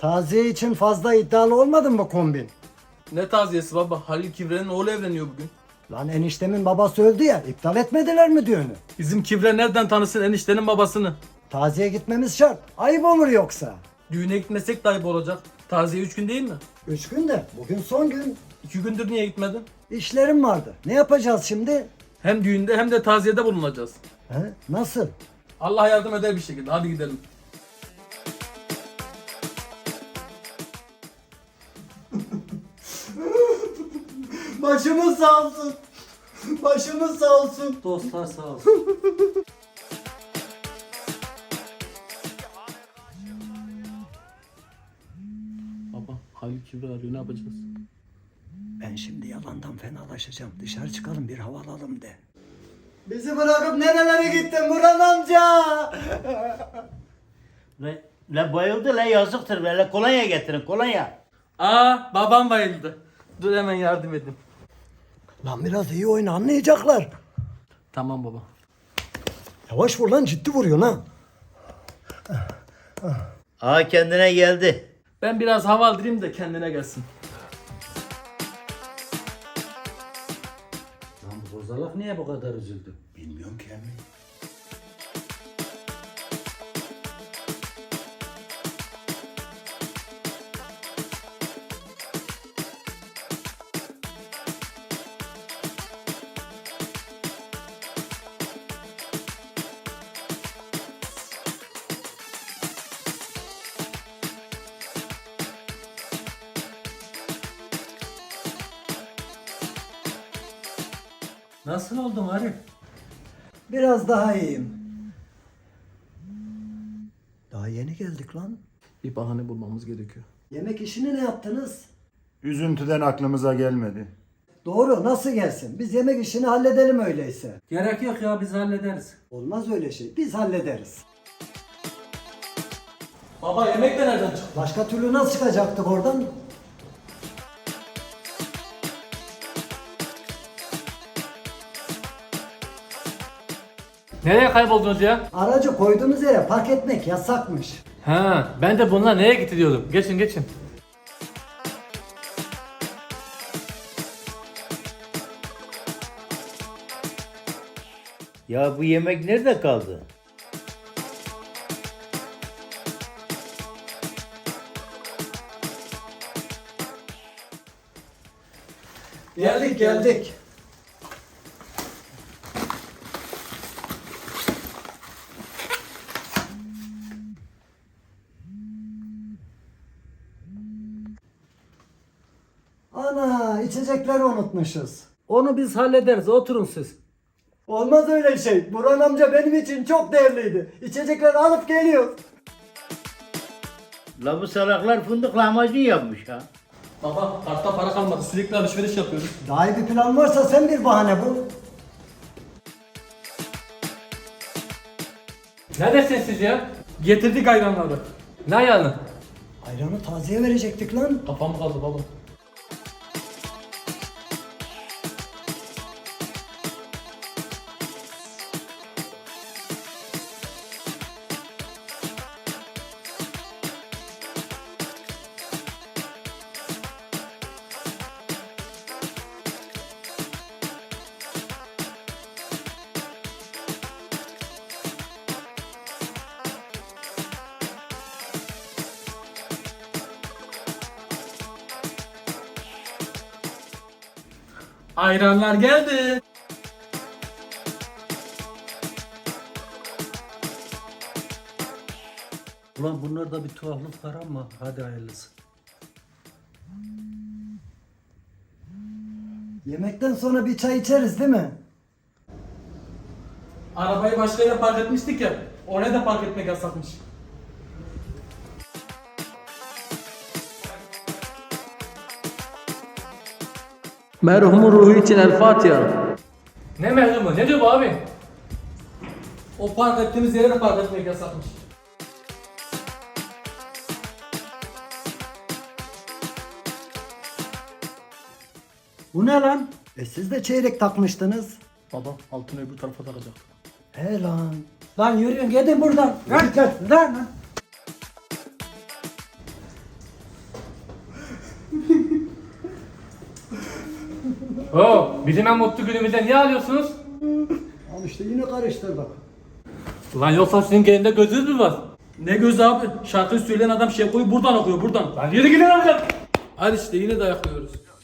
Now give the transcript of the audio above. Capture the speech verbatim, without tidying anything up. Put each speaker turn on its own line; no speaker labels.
Taziye için fazla iddialı olmadın mı kombin?
Ne taziyesi baba? Halil Kivre'nin oğlu evleniyor bugün.
Lan eniştemin babası öldü ya, iptal etmediler mi düğünü?
Bizim Kivre nereden tanısın eniştenin babasını?
Taziye gitmemiz şart. Ayıp olur yoksa.
Düğüne gitmesek de ayıp olacak. Taziye üç gün değil mi?
Üç gün de bugün son gün.
İki gündür niye gitmedin?
İşlerim vardı. Ne yapacağız şimdi?
Hem düğünde hem de taziyede bulunacağız.
He? Nasıl?
Allah yardım eder bir şekilde. Hadi gidelim.
Başımız sağ olsun. Başımız sağ olsun.
Dostlar sağ olsun.
Baba Halil Kivre arıyor, ne yapacağız?
Ben şimdi yalandan fenalaşacağım. Dışarı çıkalım, bir hava alalım de. Bizi bırakıp nerelere gittin Burhan amca?
Le, le bayıldı le yazıktır le, le kolonya getirin kolonya.
Aa, babam bayıldı. Dur hemen yardım edeyim.
Lan biraz iyi oyna, anlayacaklar.
Tamam baba.
Yavaş vur lan, ciddi vuruyorsun ha.
Aa kendine geldi.
Ben biraz hava aldırayım da kendine gelsin.
Lan bu bozalak niye bu kadar üzüldü?
Bilmiyorum ki emmi.
Nasıl oldun Arif?
Biraz daha iyiyim. Daha yeni geldik lan.
Bir bahane bulmamız gerekiyor.
Yemek işini ne yaptınız?
Üzüntüden aklımıza gelmedi.
Doğru, nasıl gelsin? Biz yemek işini halledelim öyleyse.
Gerek yok ya biz hallederiz.
Olmaz öyle şey, biz hallederiz.
Baba yemek de nereden çıktı?
Başka türlü nasıl çıkacaktık oradan?
Nereye kayboldunuz ya?
Aracı koyduğumuz yere park etmek yasakmış.
Ha, ben de bunlar nereye gitti diyordum. Geçin geçin.
Ya bu yemek nerede kaldı?
Geldik geldik. Ana, içecekleri unutmuşuz.
Onu biz hallederiz. Oturun siz.
Olmaz öyle şey. Burhan amca benim için çok değerliydi. İçecekleri alıp geliyor.
La bu salaklar fındık lahmacun yapmış ha.
Baba kartta para kalmadı. Sürekli alışveriş yapıyoruz.
Daha iyi bir plan varsa sen bir bahane bul.
Neredesiniz siz ya?
Getirdik ayranları.
Ne ayağını?
Ayranı taziye verecektik lan.
Kafam kaldı baba. Ayranlar geldi.
Ulan bunlarda bir tuhaflık var ama hadi hayırlısı.
Yemekten sonra bir çay içeriz değil mi?
Arabayı başka yere park etmiştik ya. Oraya da park etmek yasakmış. Merhumun ruhu için El Fatiha.
Ne mehrumu? Ne diyor bu abi?
O park ettiğimiz yere de park etmek yasakmış.
Bu ne lan? E siz de çeyrek takmıştınız.
Baba altını öbür tarafa takacaktık.
He lan. Lan yürüyün gidin buradan. Lan lan lan.
Oo, bizim en mutlu günümüzde niye alıyorsunuz?
Al işte yine karıştırdık.
Lan yoksa sizin gelinde gözünüz mü var?
Ne gözü abi? Şarkıyı söyleyen adam Şevko'yu buradan okuyor buradan.
Lan yürü gidin amca.
Hadi işte yine dayak yiyoruz.